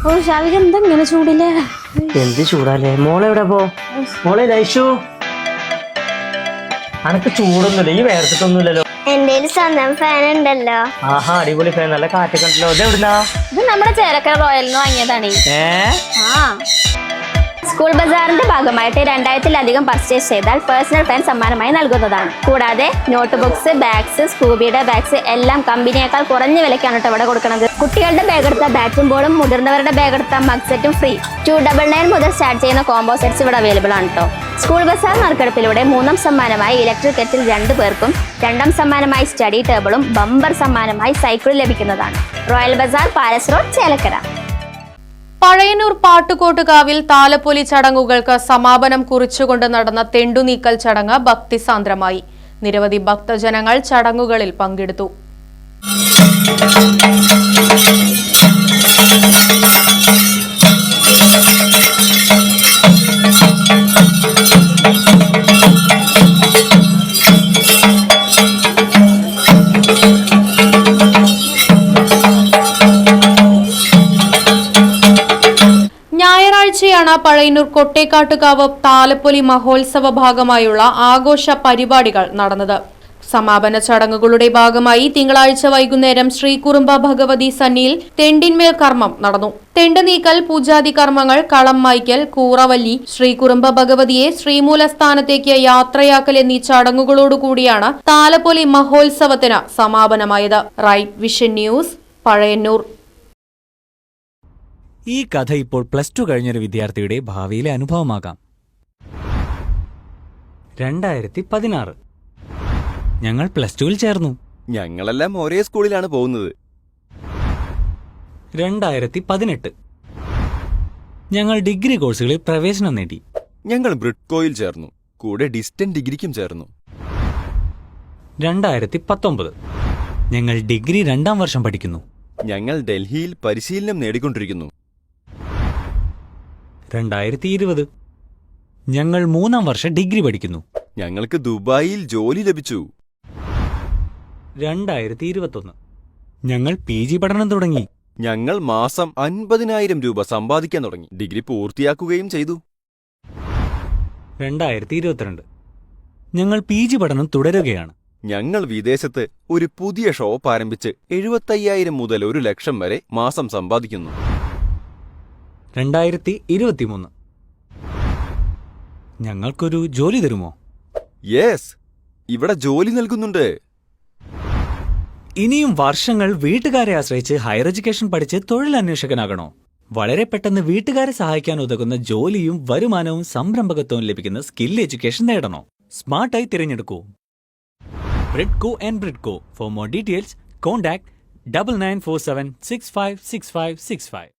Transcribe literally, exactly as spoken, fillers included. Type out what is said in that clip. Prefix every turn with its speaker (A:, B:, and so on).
A: ഓ ഷാവിക എന്താ ഇങ്ങനെ ചൂടില്ലേ?
B: എന്ത് ചൂടാലേ? മോളെവിടെ പോ? മോളെ ലൈഷു, അനക്ക് ചൂടൊന്നുമില്ല, ഈ വേർത്തിട്ടൊന്നുമില്ലല്ലോ.
C: എന്റെ സ്വന്തം ഫാൻ ഉണ്ടല്ലോ.
B: ആഹാ, അടിപൊളി ഫാൻ, നല്ല കാറ്റൊക്കെ ഉണ്ടല്ലോ. ഇത് എവിടുന്നാ?
A: ഇത് നമ്മുടെ ചേലക്കര റോയലിന് വാങ്ങിയതാണ്.
B: ഏ
A: ആ സ്കൂൾ ബസാറിന്റെ ഭാഗമായിട്ട് രണ്ടായിരത്തിലധികം പർച്ചേസ് ചെയ്താൽ പേഴ്സണൽ ഫാൻ സമ്മാനമായി നൽകുന്നതാണ്. കൂടാതെ നോട്ട് ബുക്സ്, ബാഗ്സ്, സ്കൂബിയുടെ ബാഗ്സ് എല്ലാം കമ്പനിയേക്കാൾ കുറഞ്ഞ വിലക്കാണ് കേട്ടോ ഇവിടെ കൊടുക്കുന്നത്. കുട്ടികളുടെ ബാഗ് എടുത്ത ബാറ്റും ബോളും, മുതിർന്നവരുടെ ബാഗ് എടുത്ത മഗ് സെറ്റും ഫ്രീ. ടു ഡബിൾ നയൻ മുതൽ സ്റ്റാർട്ട് ചെയ്യുന്ന കോംബോ സെറ്റ്സ് ഇവിടെ അവൈലബിൾ ആണ് കേട്ടോ. സ്കൂൾ ബസാർ നറുക്കെടുപ്പിലൂടെ മൂന്നാം സമ്മാനമായി ഇലക്ട്രിക് കെറ്റിൽ രണ്ടു പേർക്കും, രണ്ടാം സമ്മാനമായി സ്റ്റഡി ടേബിളും, ബമ്പർ സമ്മാനമായി സൈക്കിളും ലഭിക്കുന്നതാണ്. Royal bazaar, palace road, Chelakkara.
D: Pazhayannur പാട്ടുകോട്ടുകാവിൽ താലപ്പൊലി ചടങ്ങുകൾക്ക് സമാപനം കുറിച്ചുകൊണ്ട് നടന്ന തെണ്ടുനീക്കൽ ചടങ്ങ് ഭക്തിസാന്ദ്രമായി. നിരവധി ഭക്തജനങ്ങൾ ചടങ്ങുകളിൽ പങ്കെടുത്തു. ഞായറാഴ്ചയാണ് പഴയന്നൂർ കൊട്ടേക്കാട്ടുകാവ് താലപ്പൊലി മഹോത്സവ ഭാഗമായുള്ള ആഘോഷ പരിപാടികൾ നടന്നത്. സമാപന ചടങ്ങുകളുടെ ഭാഗമായി തിങ്കളാഴ്ച വൈകുന്നേരം ശ്രീകുറുമ്പ ഭഗവതി സന്നിയിൽ തെണ്ടിന്മേൽ കർമ്മം നടന്നു. തെണ്ട് നീക്കൽ, പൂജാതി കർമ്മങ്ങൾ, കളം മായ്ക്കൽ, കൂറവല്ലി, ശ്രീകുറുമ്പ ഭഗവതിയെ ശ്രീമൂലസ്ഥാനത്തേക്ക് യാത്രയാക്കൽ എന്നീ ചടങ്ങുകളോടുകൂടിയാണ് താലപ്പൊലി മഹോത്സവത്തിന് സമാപനമായത്. Right vision news, Pazhayannur.
E: ഈ കഥ ഇപ്പോൾ പ്ലസ് ടു കഴിഞ്ഞൊരു വിദ്യാർത്ഥിയുടെ ഭാവിയിലെ അനുഭവമാകാം. രണ്ടായിരത്തി പതിനാറ് ഞങ്ങൾ പ്ലസ് ടുവിൽ ചേർന്നു.
F: ഞങ്ങളെല്ലാം ഒരേ സ്കൂളിലാണ് പോകുന്നത്.
E: രണ്ടായിരത്തി പതിനെട്ട് ഞങ്ങൾ ഡിഗ്രി കോഴ്സുകളിൽ പ്രവേശനം നേടി.
F: ഞങ്ങൾ ബ്രിഡ്കോയിൽ ചേർന്നു, കൂടെ ഡിസ്റ്റന്റ് ഡിഗ്രിക്കും ചേർന്നു.
E: രണ്ടായിരത്തി പത്തൊമ്പത് ഞങ്ങൾ ഡിഗ്രി രണ്ടാം വർഷം പഠിക്കുന്നു.
F: ഞങ്ങൾ ഡൽഹിയിൽ പരിശീലനം നേടിക്കൊണ്ടിരിക്കുന്നു.
E: രണ്ടായിരത്തി ഇരുപത് ഞങ്ങൾ മൂന്നാം വർഷം ഡിഗ്രി പഠിക്കുന്നു.
F: ഞങ്ങൾക്ക് ദുബായിൽ ജോലി ലഭിച്ചു.
E: രണ്ടായിരത്തി ഇരുപത്തൊന്ന് ഞങ്ങൾ പി ജി പഠനം തുടങ്ങി.
F: ഞങ്ങൾ മാസം അൻപതിനായിരം രൂപ സമ്പാദിക്കാൻ തുടങ്ങി. ഡിഗ്രി പൂർത്തിയാക്കുകയും ചെയ്തു.
E: രണ്ടായിരത്തി ഇരുപത്തിരണ്ട് ഞങ്ങൾ പി ജി പഠനം തുടരുകയാണ്.
F: ഞങ്ങൾ വിദേശത്ത് ഒരു പുതിയ ഷോപ്പ് ആരംഭിച്ച് എഴുപത്തയ്യായിരം മുതൽ ഒരു ലക്ഷം വരെ മാസം സമ്പാദിക്കുന്നു.
E: രണ്ടായിരത്തി ഇരുപത്തിമൂന്ന് ഞങ്ങൾക്കൊരു ജോലി തരുമോ?
F: യെസ്, ഇവിടെ ജോലി നൽകുന്നുണ്ട്.
E: ഇനിയും വർഷങ്ങൾ വീട്ടുകാരെ ആശ്രയിച്ച് ഹയർ എഡ്യൂക്കേഷൻ പഠിച്ച് തൊഴിലന്വേഷകനാകണോ? വളരെ പെട്ടെന്ന് വീട്ടുകാരെ സഹായിക്കാൻ ഉതകുന്ന ജോലിയും വരുമാനവും സംരംഭകത്വവും ലഭിക്കുന്ന സ്കിൽ എഡ്യൂക്കേഷൻ നേടണോ? സ്മാർട്ടായി തിരഞ്ഞെടുക്കൂ Bridco and Bridco. For more details contact double nine four seven six five six five six five.